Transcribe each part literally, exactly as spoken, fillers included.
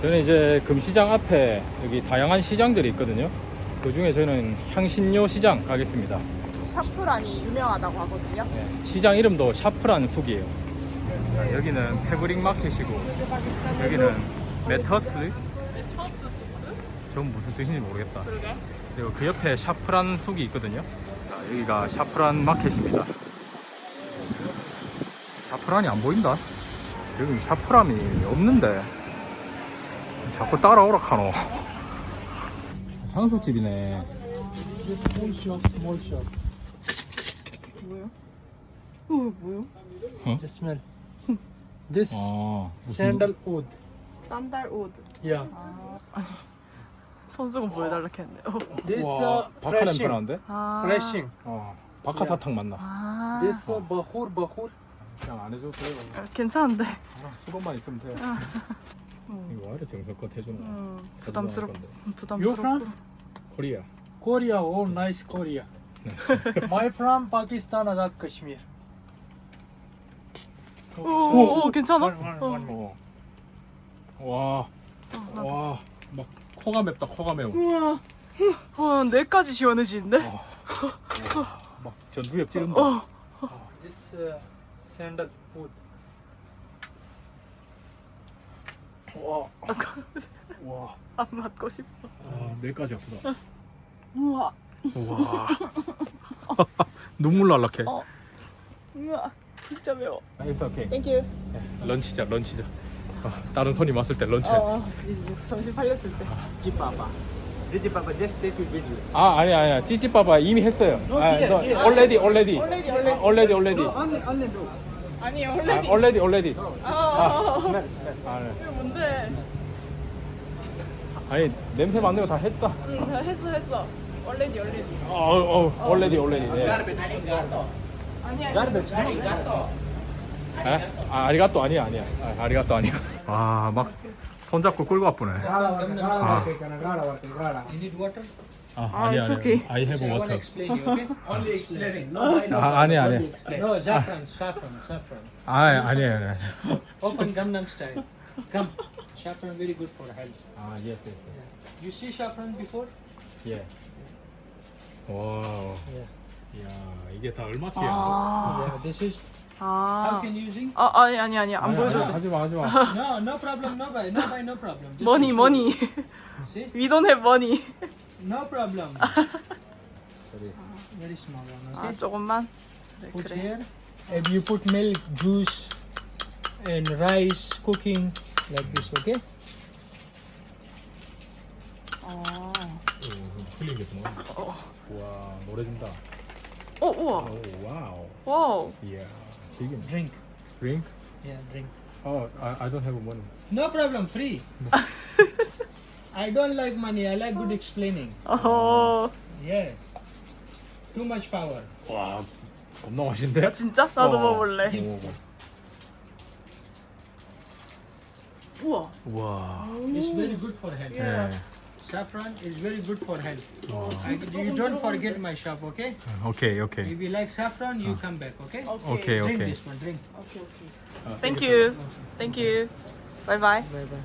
저는 이제 금시장 앞에 여기 다양한 시장들이 있거든요. 그 중에 저는 향신료 시장 가겠습니다. 샤프란이 유명하다고 하거든요. 네, 시장 이름도 샤프란 숲이에요. 자, 여기는 패브릭 마켓이고 여기는 메터스. 메터스 수프? 저건 무슨 뜻인지 모르겠다. 그러게. 그리고 그 옆에 샤프란 숲이 있거든요. 자, 여기가 샤프란 마켓입니다. 샤프란이 안 보인다. 여기 샤프란이 없는데 자꾸 따라오라 카노. 향수집이네. Small shop, small shop. 뭐요? 어, 뭐요? Just smell. This 아, 무슨 sandalwood. 산달우드. Yeah. 아, 손수건 보여달라 했는데. 어. This 와, uh, 박하 냄새 freshing. 나는데? 아. Freshing. 어, 박하사탕 맛나. 아. This uh, bahur, bahur. 그냥 안 해줘도 돼요. 아, 괜찮은데. 아, 수건만 있으면 돼요. 이거 왜 이렇게 정성껏 해주는 거야? 음, 부담스럽. You 부담스럽고. from? 코리아. Korea. Oh, nice Korea. My from Pakistan, Azad Kashmir. 오, 오, 오, 괜찮아? One, one, one more. 어. 와, 와, 막 코가 맵다. 코가 매워. 우와. 와, 뇌까지 시원해지는데? 어. 와, 막 전두엽 찌른다. 어. This uh, sandalwood. 와, 와, 안 맞고 싶어. 아, 뇌까지 아프다. 우와. 와, 눈물 날락해. 어. 우와. 진짜 매워. It's okay. 땡큐. 런치자, 런치자. 어, 다른 손님 왔을 때 런치. 어, 이제 정신 팔렸을 때. Papa. Did Papa just take a video? 아, 아니 아니야. 찌찌빠빠 이미 했어요. 아, here, 너 here. already, already. Already, already. already, already. only only do. 아니, 아, 원래. already, already. 아, Smell, smell. 아, 네. 이거 뭔데? 아니 냄새 맡는 거 다 했다. 응, 다 했어, 했어. already, already. 어, 어, already, already. 네. Garbage, arigato. 아니, 아니. Garbage, arigato. 에? 아, 아리가또 아니야, 아니야. 아, 아리가또 아니야. 와, 막 손잡고 끌고 와쁘네. 아, You need water? 아, 아, 아니야, it's 아니야. okay. I have I want to water. explain you, okay? Only explaining. No, I know. 아, 아니야, 아니야. No, saffron, saffron, saffron. 아, 아니야, 아니야. Open Gangnam style. Come. Saffron very good for health. 아, yes, yes, You see saffron before? 예. 와, Yeah. 야, 이게 다 얼마치야? 아. Yeah, this is how 아. can you using? 아, 아니, 아니, 아니. 안 보여줘. 하지 마, 하지 마. No, no problem, no buy, no buy, no problem. Just 머니, show 머니. you. See? We don't have money. No problem. Very small one. 아, Okay. 조금만. 그래, Put 그래. here. If you put milk, juice, and rice cooking like this, okay? 어. 틀리겠구나. 어. 와, 노래 준다. 어, 우와. 오, 와우. 와우. 이야, 지금 Drink. drink? Yeah, drink. Oh, I, I don't have money. No problem, free. I don't like money. I like good explaining. 어. Yes. Too much power. 와, 겁나 맛있는데? 진짜? 나도 어. 먹어볼래. 오, 우와. 와. It's very good for health. 네. Saffron is very good for health. 와. I, you don't forget my shop, okay? 오케이, 오케이. If you like saffron, you come back, okay? 오케이, Drink 오케이. this one. Drink. 오케이, 오케이. Thank you. Thank you. Bye bye. Bye bye.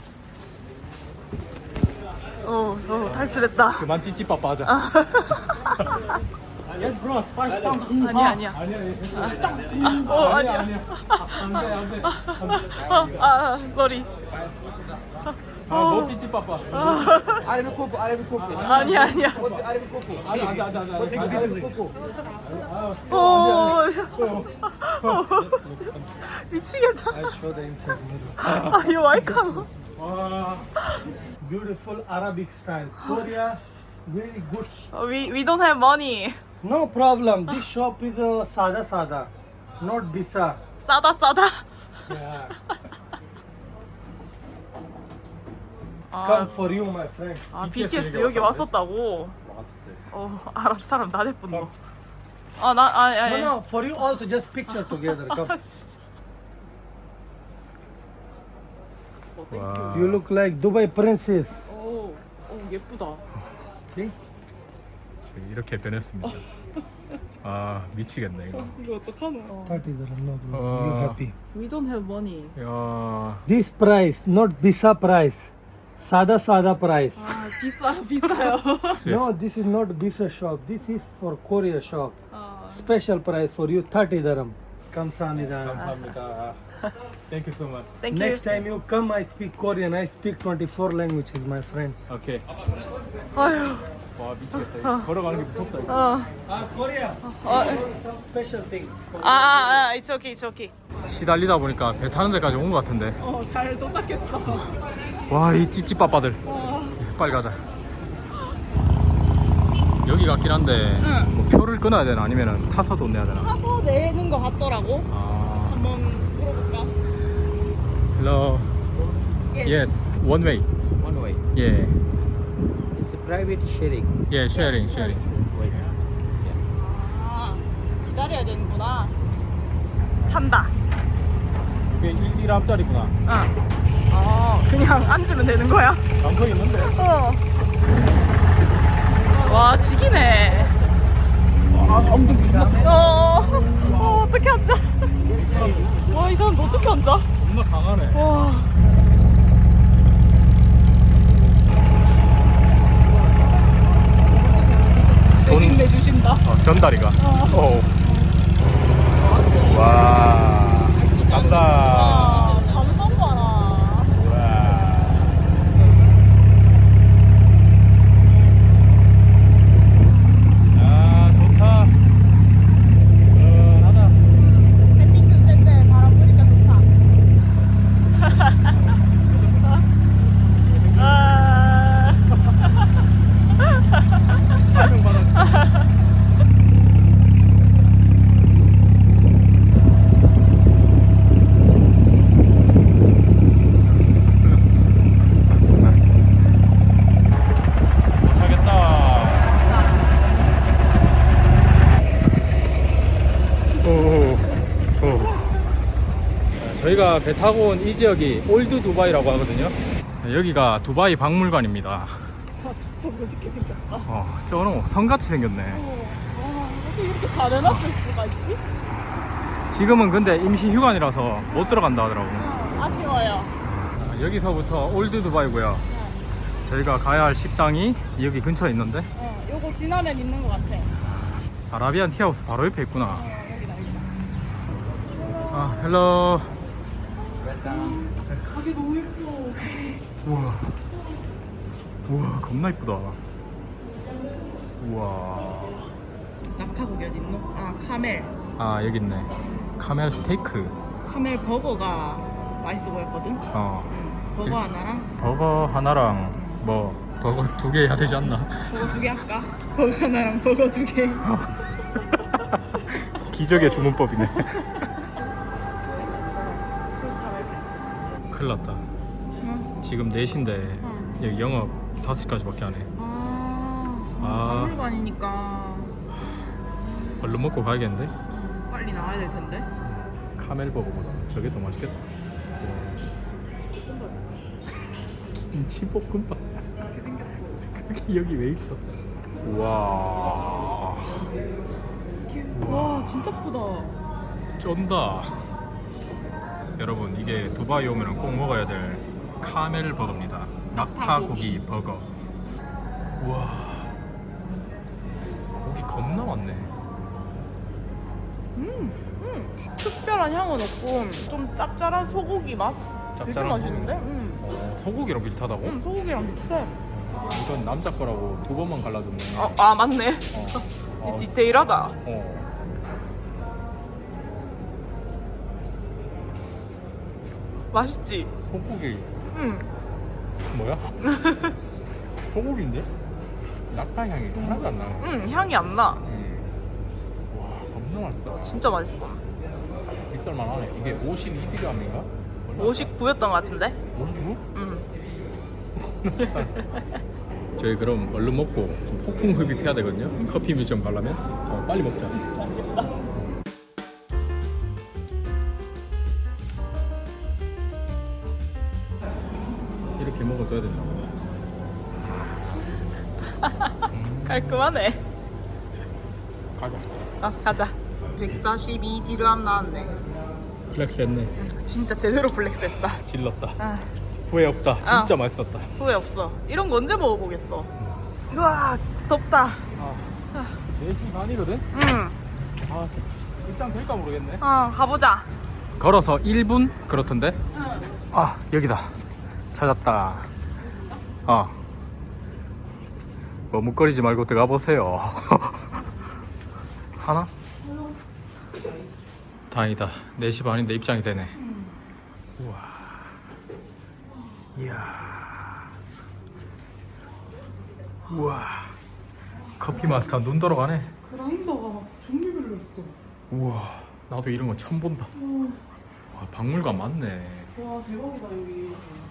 어, 어, 탈출했다. 그만 찌찌빠빠 하자. Yes, bro. Spice some. 아니야, 아니야. 아니야, 어, 아니야. 아니야. 안 돼, 안 돼. 어, 아, sorry. 아, 너 찌찌빠빠. Arabic coco. Arabic coco. 아니야, 아니야. Arabic coco. 안 돼, 안 돼, 안 돼, 안 돼. Arabic coco. 어, 미치겠다. I show the inside. 아, 이거 와이카노. 와. Beautiful Arabic style. Korea, very good. We, we don't have money. No problem. This shop is uh, sada sada, not bisa. 싸다, 싸다. Yeah. 아, Come for you, my friend. 아 비티에스 비티에스 얘기 여기 왔었는데? 왔었다고. 같은데. 어, 아랍 사람 나 대뿐노. 아, 나, 아니, No, 아니. no, for you also. Just picture together. Come. 와. You look like Dubai princess. 오, 오, 예쁘다. See? 저기 이렇게 변했습니다. 아, 미치겠네 이거. 이거 어떡하노? thirty dirham, no problem. Uh, You happy? We don't have money. 야, This price, not bisa price. Sada sada price. 아 비싸 비싸요. No, this is not Bisa shop. This is for Korea shop. 아, Special price for you, thirty dirham. Kamsahamnida. 감사합니다. Thank you so much. Thank you. Next time you come, I speak Korean. I speak twenty-four languages, my friend. 오케이. 아유. 와 미치겠다. 이거. 걸어가는 게 무섭다. 이거. 어. Ah, Korea. 어. Some special thing. 아, 아, 아, it's okay, it's okay. 시달리다 보니까 배 타는 데까지 온 것 같은데. 어, 잘 도착했어. 와 이 찌찌빠빠들. 빨리 가자. 여기 같긴 한데 응. 뭐 표를 끊어야 되나 아니면 타서 돈 내야 되나? 타서 내는 거 같더라고. 아. 한번 물어볼까? Hello. Yes. One way. One way. Yeah. It's a private sharing. Yeah. Sharing. Sharing. Wait. 아, 기다려야 되는구나. 탄다. 이게 일 디람짜리구나. 응. 어, 그냥 앉으면 되는 거야? 감성 있는데. 어. 와, 지기네. 아 엉덩이다. 어, 어, 어떻게 앉아? 와, 이 사람 어떻게 앉아? 겁나 강하네. 와. 대신 돈- 내주신다. 어, 전다리가. 어. 와. 간다. 아, 감성 봐라. 와. 아 좋다. 시원하다. 햇빛은 센데 바람 부니까 좋다. 아. 도착했다. 오, 오. 저희가 배 타고 온 이 지역이 올드 두바이라고 하거든요. 여기가 두바이 박물관입니다. 아, 진짜 멋있게 생겼다. 어, 저는 성같이 생겼네. 어, 와, 어떻게 이렇게 잘 해놨을 수가 있지? 지금은 근데 임시 휴관이라서 못 들어간다 하더라고. 어, 아쉬워요. 자, 여기서부터 올드 두바이고요. 저희가 가야 할 식당이 여기 근처에 있는데 어, 요거 지나면 있는 것 같아. 아라비안 티하우스 바로 옆에 있구나. 어, 여기다, 여기다. 아, 헬로. 가게 너무 예뻐. 우와. 우와, 겁나 이쁘다. 우와. 낙타고기 어디 있노? 아, 카멜. 아, 여기 있네. 카멜 스테이크. 카멜 버거가 맛있어 보였거든? 어. 응. 버거 하나랑 버거 하나랑 뭐 버거 두 개 해야 되지 않나? 버거 두 개 할까? 버거 하나랑 버거 두 개. 기적의 주문법이네. 큰일 났다. 응? 지금 네 시인데 응. 여기 영업 다섯 시까지밖에 안 해. 아, 아. 박물관이니까 얼른 먹고 가야겠는데? 빨리 나와야 될 텐데. 카멜 버거보다 저게 더 맛있겠다. 김치볶음밥. 이렇게 생겼어. 그게 여기 왜 있어? 우와. 와, 진짜 크다. 쩐다. 여러분 이게 두바이 오면 꼭 먹어야 될 카멜 버거입니다. 낙타고기 버거. 우와. 고기 겁나 많네. 음, 음. 특별한 향은 없고 좀 짭짤한 소고기 맛. 되게 짭짤한 맛있는데? 소고기. 음. 어, 소고기랑 비슷하다고? 음, 소고기랑 비슷해. 이건 남자 거라고 두 번만 갈라줬네. 어, 아 맞네. 어. 어. 디테일하다. 어. 맛있지? 소고기 응. 뭐야? 소고기인데? 낙타 향이 하나도 안 나네. 응, 향이 안 나. 음. 와 겁나 맛있다. 진짜 맛있어. 비쌀만하네. 이게 오십이 디람인가? 오십구였던 것 같은데? 오십구? 응. 저희 그럼 얼른 먹고 좀 폭풍 흡입해야 되거든요. 커피 뮤지엄 가려면 어, 빨리 먹자. 이렇게 먹어줘야 된다. 깔끔하네. 가자. 아, 가자. 백사십이 디르함 나왔네. 플렉스 했네. 진짜 제대로 플렉스했다. 질렀다. 아, 후회 없다. 진짜 아. 맛있었다. 후회 없어. 이런 거 언제 먹어보겠어. 우와 덥다. 네 시 반이거든? 응. 아, 입장 될까 모르겠네. 어 가보자. 걸어서 일 분 그렇던데? 아, 여기다. 찾았다. 어. 머뭇거리지 말고 들어가 보세요. 하나? 다행이다. 네 시 반인데 입장이 되네. 우와. 이야. 우와. 커피 마스터 눈 돌아가네. 그라인더가 종류별로 있어. 우와. 나도 이런 거 처음 본다. 와, 박물관 맞네. 와 대박이다 여기.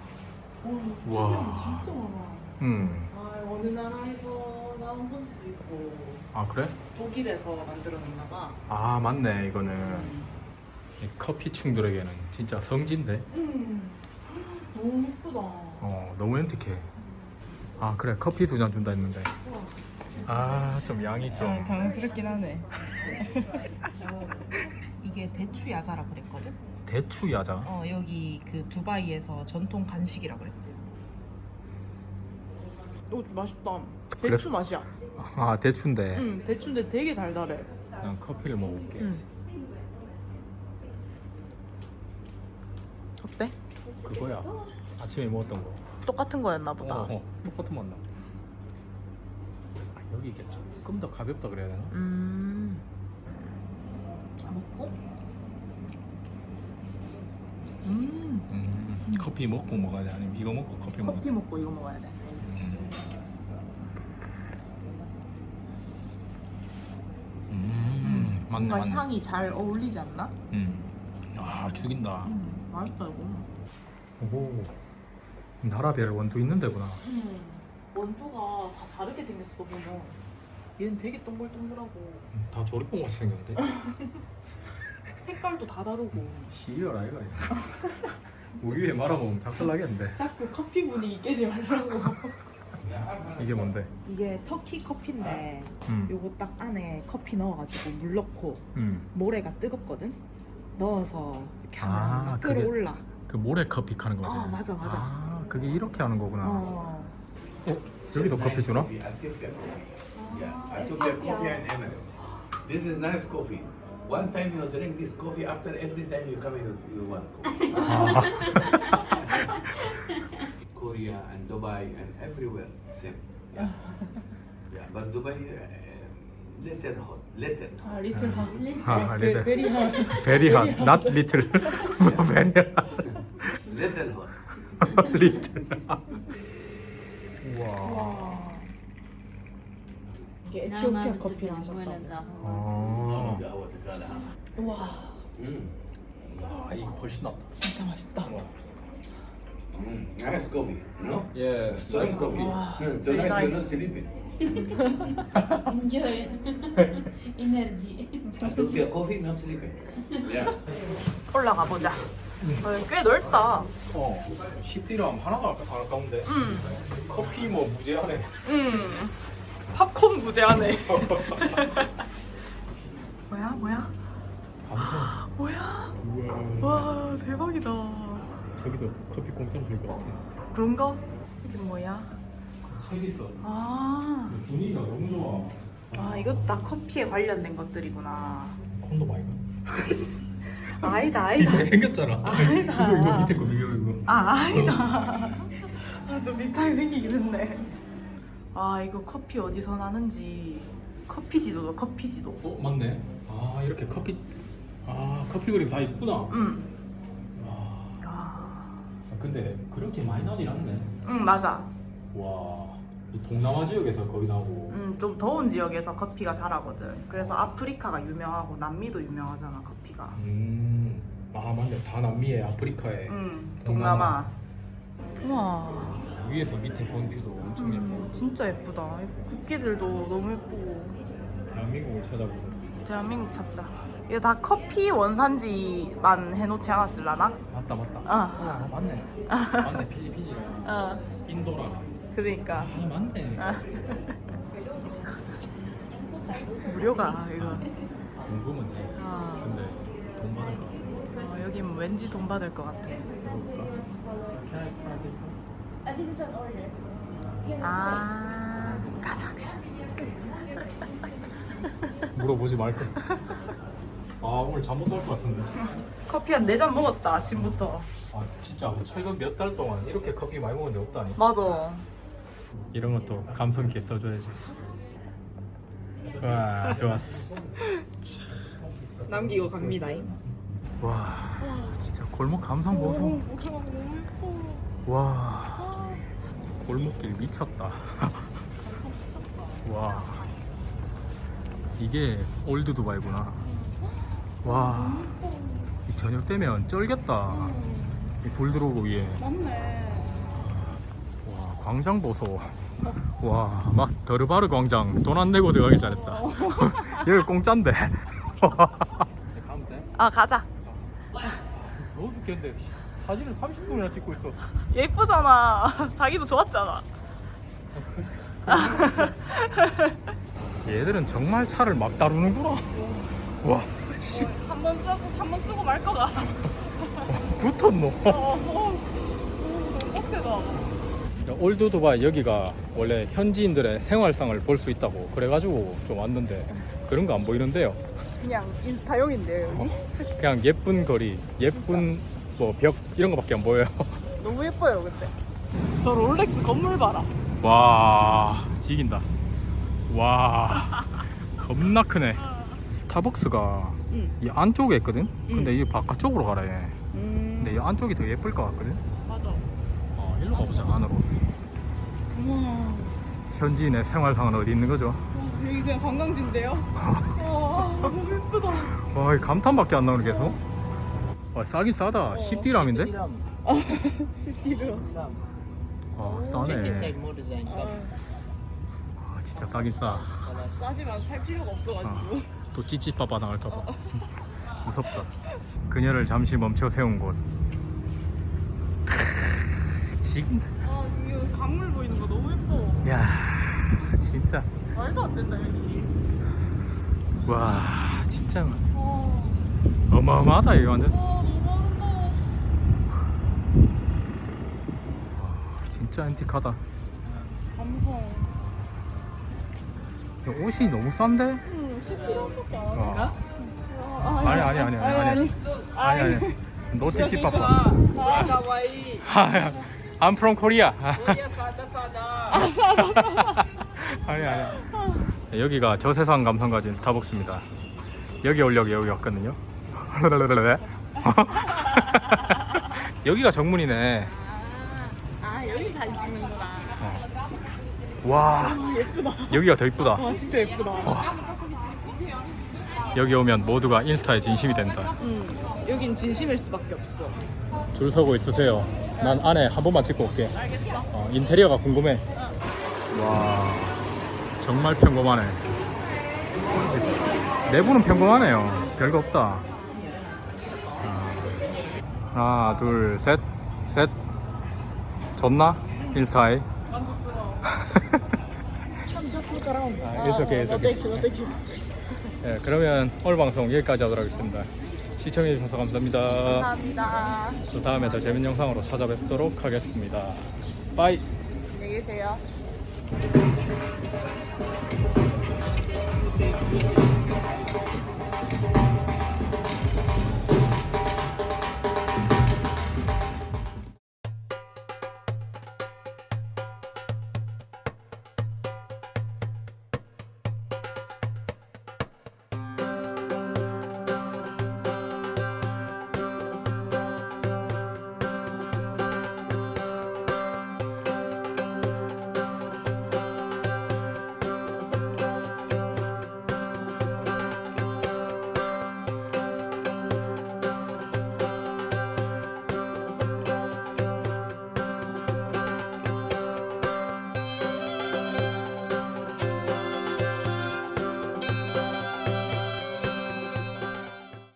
와. 진짜 많아. 음. 아 어느 나라에서 나온 건지도 있고 아, 그래? 독일에서 만들어졌나 봐. 아, 맞네. 이거는 이 커피 충들에게는 진짜 성지인데. 음. 너무 예쁘다. 어, 너무 엔틱해. 아, 그래. 커피 두 잔 준다 했는데. 아, 좀 양이 좀. 당황스럽긴 하네. 이게 대추 야자라 그랬거든? 대추 야자. 어 여기 그 두바이에서 전통 간식이라 그랬어요. 오 맛있다. 그래? 대추 맛이야. 아, 대추인데. 응 대추인데 되게 달달해. 난 커피를 먹어볼게. 응. 어때? 그거야. 아침에 먹었던 거. 똑같은 거였나 보다. 어, 어, 똑같은 맛 나. 아, 여기 이게 조금 더 가볍다 그래야 되나? 음. 먹고. 음. 음, 커피 먹고 먹어야 돼. 아니면 이거 먹고 커피 먹어야 돼. 커피 먹고 이거 먹어야 돼. 음, 맞네, 뭔가 맞네. 향이 잘 어울리지 않나? 음. 아, 죽인다. 음, 맛있다 이거. 오, 나라별 원두 있는 데구나. 음, 원두가 다 다르게 생겼어 보면. 얘는 되게 동글동글하고 음, 다 조립본 같이 생겼는데? 색깔도 다 다르고. 시리얼 아이가 우유에 말아먹으면 작살나겠는데. 자꾸 커피 분위기 깨지 말라고. 이게 뭔데? 이게 터키 커피인데 음. 요거 딱 안에 커피 넣어가지고 물 넣고 음. 모래가 뜨겁거든? 넣어서 이렇게 하면 아, 막 그게- 끓어올라. 그 모래 커피 하는 거지? 어, 맞아, 맞아. 아, 그게 이렇게 하는 거구나. 어. 어? 여기도 커피 주나? Ethiopia coffee. Yeah, Ethiopia coffee and Emirates. This is nice coffee. One time you drink this coffee, after every time you come, you, you want coffee. Korea and Dubai and everywhere, same. Yeah, yeah, but Dubai, uh, little hot, little hot. 리틀 하. 아, 리틀. 베리 하. Very hot, not little. Very hot. Little hot. little. 우와. 와. 이게 에티오피아 커피 마셨다. 아, 우와, Mm. 아, 이거 훨씬 낫다. 진짜 맛있다. Mm. Nice coffee, no? 예, Nice coffee. Wow, Mm, very Tonight nice. you're not sleeping. Enjoy energy. Ethiopia coffee, not sleeping. Yeah. 올라가 보자. 어, 꽤 넓다. 어, 십 디람 하나도 안 아까운데. 음, 커피 뭐 무제한에. 음. 팝콘 무제하네. 뭐야, 뭐야? 감성. 뭐야? 우와. 와, 대박이다. 저기도 커피 공짜로 줄 것 같아. 그런가? 이게 뭐야? 책 있어. 아, 분위기가 너무 좋아. 아 이것도 다 커피에 관련된 것들이구나. 콘돔 아이가? 아니다, 아니다. 비슷하게 생겼잖아. 아니다. 이거 이거 밑에 거 이거 이거. 아, 아니다. 아, 좀 비슷하게 생기긴 했네. 아, 이거 커피 어디서 나는지. 커피 지도다, 커피 지도. 어, 맞네. 아, 이렇게 커피. 아, 커피 그림 다 있구나. 응. 와. 야. 아, 근데 그렇게 많이 나진 않네. 응, 맞아. 와. 이 동남아 지역에서 거의 나오고. 응, 좀 더운 지역에서 커피가 자라거든. 그래서 아프리카가 유명하고 남미도 유명하잖아, 커피가. 음. 아, 맞네. 다 남미에 아프리카에. 응, 동남아. 우와. 위에서 밑에 본 뷰도 엄청 예뻐. 음, 진짜 예쁘다. 국기들도 너무 예쁘고. 대한민국을 찾아보자. 대한민국 찾자. 이거 다 커피 원산지만 해놓지 않았을라나? 맞다 맞다. 어. 아, 맞네. 맞네. 필리핀이랑 어, 인도랑. 그러니까. 아, 맞네. 아. 무료가 이거. 궁금은 해. 아. 근데 돈 받을 것 같아. 어, 여긴 왠지 돈 받을 것 같아. 아, 가자 그냥. 물어보지 말걸. 아 오늘 잠 못 잘 것 같은데. 커피 한 네 잔 먹었다 아침부터. 아 진짜 최근 몇 달 동안 이렇게 커피 많이 먹은 적 없다니. 맞아. 이런 것도 감성 있게 써줘야지. 와 좋았어. 남기고 갑니다. 와 진짜 골목 감성 보소. 와 골목길 미쳤다. 와 이게 올드 두바이구나. 와 이 저녁 되면 쩔겠다. 이 불 들어오고 위에. 맞네. 와 광장 보소. 와 막 더르바르 광장 돈 안 내고 들어가길 잘했다. 여기 공짜인데. 가면 돼? 아 가자. 더워 죽겠는데 사진을 삼십 분이나 찍고 있어. 예쁘잖아. 자기도 좋았잖아. 얘들은 정말 차를 막 다루는구나. 와 씨. 한 번 쓰고 한 번 쓰고 말 거다. 붙었노. 어, 어, 너무 빡세다. 올드 두바이 여기가 원래 현지인들의 생활상을 볼 수 있다고 그래가지고 좀 왔는데 그런 거 안 보이는데요. 그냥 인스타용인데요 여기. 그냥 예쁜 거리, 예쁜 뭐 벽 이런 거밖에 안 보여요. 너무 예뻐요 근데. 저 롤렉스 건물 봐라. 와 지긴다. 와 겁나 크네. 스타벅스가 응. 이 안쪽에 있거든. 근데 응. 이 바깥쪽으로 가라 얘. 음. 근데 이 안쪽이 더 예쁠 것 같거든. 맞아. 어 일로 가보자 안으로. 우와. 현지인의 생활상은 어디 있는 거죠? 어, 여기 그냥 관광지인데요. 와 너무 예쁘다. 와, 이 감탄밖에 안 나오네 계속. 와, 싸긴 싸다. 십 디람인데? 시티로. 아, Check 싸네. inside more design. Come. 아, 진짜 싸긴 싸. 싸지만 살 필요가 없어가지고. 또 찌찌빠빠 나갈까봐. 무섭다. 그녀를 잠시 멈춰 세운 곳. 크으, 지긴다. 아 이거 강물 보이는 거 너무 예뻐. 야, 진짜. 말도 안 된다 여기. 와, 진짜 와, 어마어마하다 이거 완전. 와 너무 아름다워. 진짜 앤틱하다. 감성. 야, 옷이 너무 싼데? 응, 시티로밖에 안 어. 아, 아니 아니 아니 아니 아니 아니 아니 너 찌찌빠빠. 아 가와이. I'm from Korea. 아니 아니. 여기가 저세상 감성 가진 스타벅스입니다. 여기 오려고 여기 왔거든요. 여기가 정문이네. 아 여기 잘 찍는구나. 어. 와 예쁘다. 여기가 더 이쁘다. 와 진짜 예쁘다. 여기 오면 모두가 인스타에 진심이 된다. 응. 여긴 진심일 수밖에 없어. 줄 서고 있으세요. 난 안에 한 번만 찍고 올게. 알겠어. 어, 인테리어가 궁금해. 와 정말 평범하네. 내부는 평범하네요. 별거 없다. 하나 둘 셋 셋. 좋나? 인스타에. 만족스러워. 아, it's okay, it's okay. 땡큐 땡큐. 네, 그러면 오늘 방송 여기까지 하도록 하겠습니다. 시청해주셔서 감사합니다. 감사합니다. 또 다음에 더 재밌는 영상으로 찾아뵙도록 하겠습니다. 빠이. 안녕히 계세요.